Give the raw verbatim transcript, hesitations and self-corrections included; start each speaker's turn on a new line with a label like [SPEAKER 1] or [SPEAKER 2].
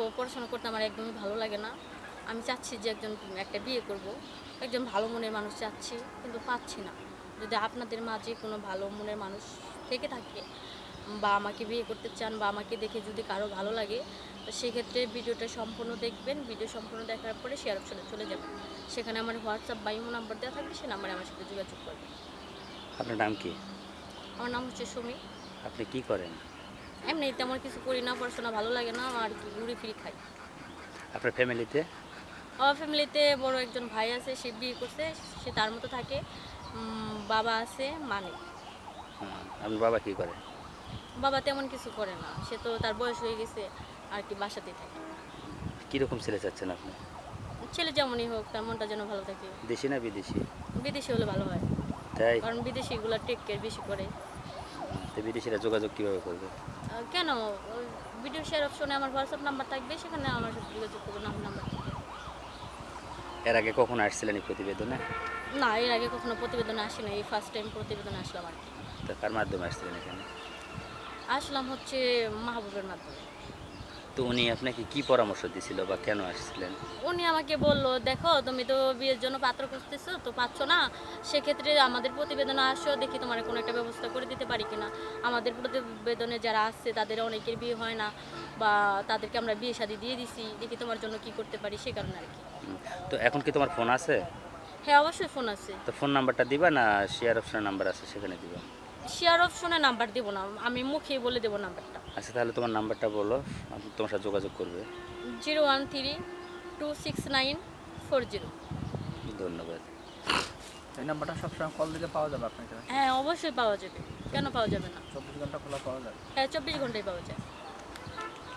[SPEAKER 1] পড়াশোনা করতে আমার একদমই ভালো লাগে না। আমি চাচ্ছি যে একজন একটা বিয়ে করব, একজন ভালো মনের মানুষ চাচ্ছি, কিন্তু পাচ্ছি না। যদি আপনাদের মাঝে কোনো ভালো মনের মানুষ থেকে থাকে বা আমাকে বিয়ে করতে চান বা আমাকে দেখে যদি কারো ভালো লাগে, তো সেক্ষেত্রে ভিডিওটা সম্পূর্ণ দেখবেন। ভিডিও সম্পূর্ণ দেখার পরে শেয়ার অপশনে চলে যাবেন। সেখানে আমার হোয়াটসঅ্যাপ বা ইমো নাম্বার দেওয়া থাকবে, সেই নাম্বারে আমার সাথে যোগাযোগ করবেন।
[SPEAKER 2] আপনার নাম কি?
[SPEAKER 1] আমার নাম হচ্ছে সুমি।
[SPEAKER 2] আপনি কি করেন?
[SPEAKER 1] এমনি তেমন কিছু করি না, পড়াশোনা ভালো লাগে না আর কি, ঘুরে ফিরে খাই।
[SPEAKER 2] আপনার ফ্যামিলিতে?
[SPEAKER 1] আমার ফ্যামিলিতে বড় একজন ভাই আছে, সে বিয়ে করছে, সে তার মতো থাকে। উম, বাবা আছে, মা নেই।
[SPEAKER 2] হুম, আপনার বাবা কি করে?
[SPEAKER 1] বাবা তেমন কিছু করে না, সে তো তার বয়স হয়ে গেছে আর কি, বাসাতেই থাকে।
[SPEAKER 2] কীরকম ছেলে চাচ্ছেন আপনি?
[SPEAKER 1] ছেলে যেমনই হোক, তার মনটা যেন ভালো থাকে।
[SPEAKER 2] দেশি না বিদেশি?
[SPEAKER 1] বিদেশি হলে ভালো হয়,
[SPEAKER 2] তাই?
[SPEAKER 1] কারণ বিদেশিগুলো টেক কেয়ার বেশি করে।
[SPEAKER 2] তো বিদেশিরা যোগাযোগ কীভাবে করবে?
[SPEAKER 1] আহ, কেন, ওই ভিডিও শেয়ার অপশনে আমার হোয়াটসঅ্যাপ নাম্বার থাকবে, সেখানে আমার সাথে যোগাযোগ করবেন আমার নাম্বার থেকে।
[SPEAKER 2] এর আগে কখনো আসছিলেন এই প্রতিবেদনে?
[SPEAKER 1] না, এর আগে কখনো প্রতিবেদনে আসি না, এই ফার্স্ট টাইম প্রতিবেদনে আসলাম আর কি।
[SPEAKER 2] তো কার মাধ্যমে আসছিলেন এখানে?
[SPEAKER 1] আসলাম হচ্ছে মাহবুবের মাধ্যমে।
[SPEAKER 2] তো উনি আপনাকে কি পরামর্শ দিছিল বা কেন আসছিলেন?
[SPEAKER 1] উনি আমাকে বললো, দেখো তুমি তো বিয়ের জন্য পাত্র খুঁজতেছো, তো পাচ্ছ না, সেক্ষেত্রে আমাদের প্রতিবেদনে আসো, দেখি তোমার কোনো একটা ব্যবস্থা করে দিতে পারি কিনা। আমাদের প্রতিবেদনে যারা আসছে তাদের অনেকের বিয়ে হয় না, বা তাদেরকে আমরা বিয়ে শাদী দিয়ে দিছি, দেখি তোমার জন্য কি করতে পারি, সে কারণে আর কি।
[SPEAKER 2] হুম, তো এখন কি তোমার ফোন আছে?
[SPEAKER 1] হ্যাঁ, অবশ্যই ফোন আছে।
[SPEAKER 2] তো ফোন নাম্বারটা দিবা না শেয়ার অপশনের নাম্বার আছে সেখানে দিবা?
[SPEAKER 1] শেয়ার অপশনে নাম্বার দেবো না, আমি মুখেই বলে দেবো নাম্বারটা।
[SPEAKER 2] আচ্ছা, তাহলে তোমার নাম্বারটা বলো, আমি তোমার সাথে যোগাযোগ করবে।
[SPEAKER 1] Zero one three two six nine four zero.
[SPEAKER 2] ধন্যবাদ।
[SPEAKER 3] এই নাম্বারটা সবসময় কল দিলে পাওয়া যাবে আপনাকে?
[SPEAKER 1] হ্যাঁ, অবশ্যই পাওয়া যাবে, কেন পাওয়া যাবে না।
[SPEAKER 3] চব্বিশ ঘন্টা খোলা পাওয়া যাবে?
[SPEAKER 1] হ্যাঁ, চব্বিশ ঘন্টায় পাওয়া যায়।